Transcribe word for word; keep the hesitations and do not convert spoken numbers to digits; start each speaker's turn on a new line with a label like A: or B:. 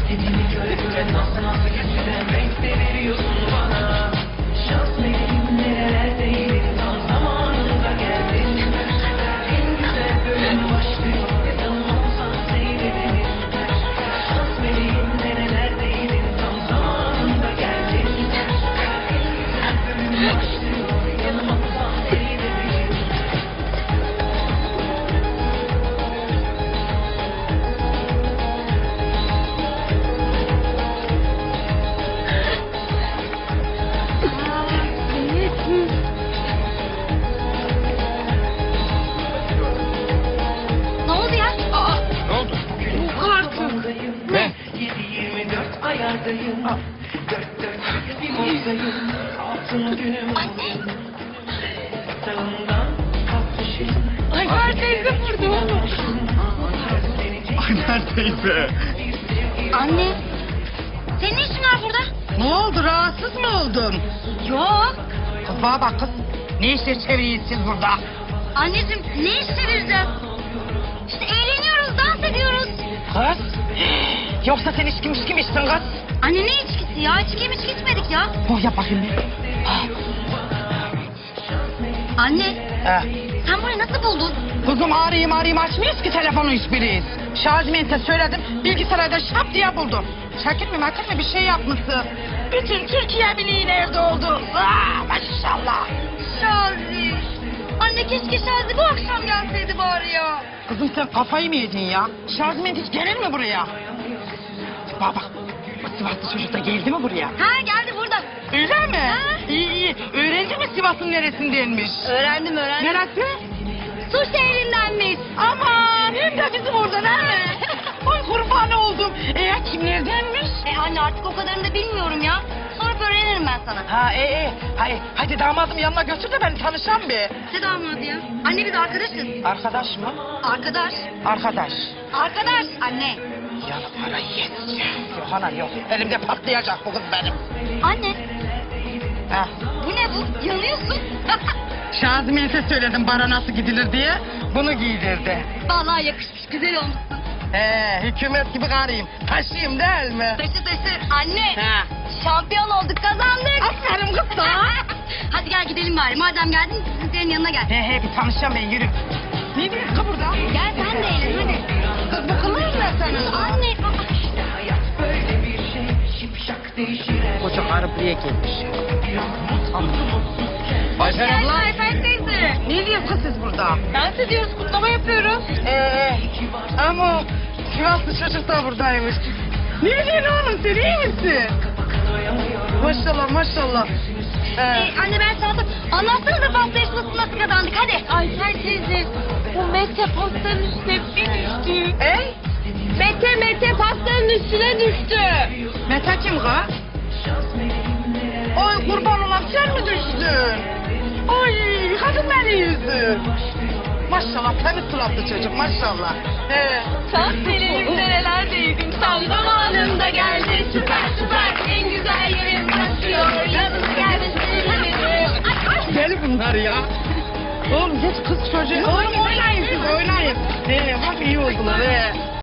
A: İstediğimi göre nasıl nasıl geçirem renk de veriyorsun bana. Şans meleğim nerelerdeyim tam zamanında geldin. En güzel bölüm başlıyor yanılmazsan seyredelim. Şans meleğim nerelerdeyim tam zamanında geldin. En güzel bölüm başlıyor yanılmazsan seyredelim.
B: Ne oldu ya? Aa,
C: Ne oldu?
B: yok artık.
C: Ne?
A: yedi yirmi dört ayardayım. Dört dört bir mozdayım. Altın günüm bugün. Sağından kalkmışım.
B: Ayfer teyze burada oğlum.
C: Ayfer teyze.
B: Anne, senin ne işin var burada?
D: Ne oldu, rahatsız mı oldun?
B: Yok.
D: Kız bana bak kız. Ne işler çeviriyorsunuz siz burada?
B: Anneciğim ne iş çevireceğiz? İşte eğleniyoruz, dans ediyoruz.
D: Kız? Yoksa sen içki mişki mi içtin kız?
B: Anne ne içkisi ya? İçki mi içki içmedik ya?
D: Oh yap bakayım bir. Ah.
B: Anne,
D: Eh.
B: sen burayı nasıl buldun?
D: Kızım arayayım arayayım açmıyoruz ki telefonu hiçbiriyiz. Şarjmente söyledim bilgisayarda şap diye buldum. Şakir mi makir mi bir şey yapmışsın. Bütün Türkiye biliğin evde oldu. Aa, maşallah.
B: Şazi. Anne keşke Şazi bu akşam gelseydi bari ya.
D: Kızım sen kafayı mı yedin ya? Şarjment hiç gelir mi buraya? Bak bak. Bu Sivaslı çocuk da geldi mi buraya?
B: Ha geldi burada.
D: Öyle mi?
B: Ha.
D: İyi iyi. Öğrendi mi Sivas'ın neresindenmiş?
B: Öğrendim öğrendim.
D: Neresi?
B: Su şehrindenmiş.
D: Aman hem de bizim oradan ha. Ay kurban oldum. E kimlerdenmiş?
B: E anne artık o kadarını da bilmiyorum ya. Sonra öğrenirim ben sana.
D: Ha e e. Hay, hadi damadım yanına götür de beni tanışan bir.
B: Ne damadı ya? Anne biz arkadaşız.
D: Arkadaş mı?
B: Arkadaş.
D: Arkadaş.
B: Arkadaş. Anne.
D: Ya para yeteceğim. Yok ana yok. Elimde patlayacak bu kız benim.
B: Anne.
D: Ha.
B: Bu ne bu? Yanıyorsun.
D: Şazimen'e söyledim bara nasıl gidilir diye. Bunu giydirdi.
B: Vallahi yakışmış. Güzel olmuşsun.
D: He hükümet gibi karıyım. Taşıyım değil mi?
B: Taşı taşı. Anne.
D: Ha.
B: Şampiyon olduk kazandık.
D: Aferin kız da.
B: Hadi gel gidelim bari. Madem geldin sizlerin yanına gel.
D: He he bir tanışacağım ben yürü. Ne diyorsun kız burada?
B: Gel sen de eğlen hadi.
D: Kız bu kılır mı sana?
B: Anne.
A: Hayat böyle bir şey şipşak değişir.
D: Koca karı buraya gelmiş.
C: Ayfer abla.
B: Ayfer teyze.
D: Ne diyorsun kız siz burada?
B: Dans ediyoruz, kutlama yapıyoruz.
D: Ee, ama Sivaslı çocuk da buradaymış. Ne diyorsun oğlum sen iyi misin? Maşallah maşallah. Ee,
B: Ee, anne ben sana anlatsana da pasta yarışmasını nasıl kazandık hadi. Ayfer teyze bu Mete pastanın üstüne bir düştü.
D: Ey?
B: Mete Mete pastanın üstüne düştü.
D: Mete kim kız? Oy kurban olan sen mi düştün? Oy kadın beni yüzü. Maşallah temiz suratlı çocuk maşallah. Ee,
B: Şans meleğim nerelerdeydin tam zamanında geldi. Süper süper en güzel yerim başlıyor. Yalnız gelmesin.
D: deli bunlar ya. Oğlum geç kız çocuğu. Oğlum oynayın siz oynayın. Ee, bak iyi oldular. Ee.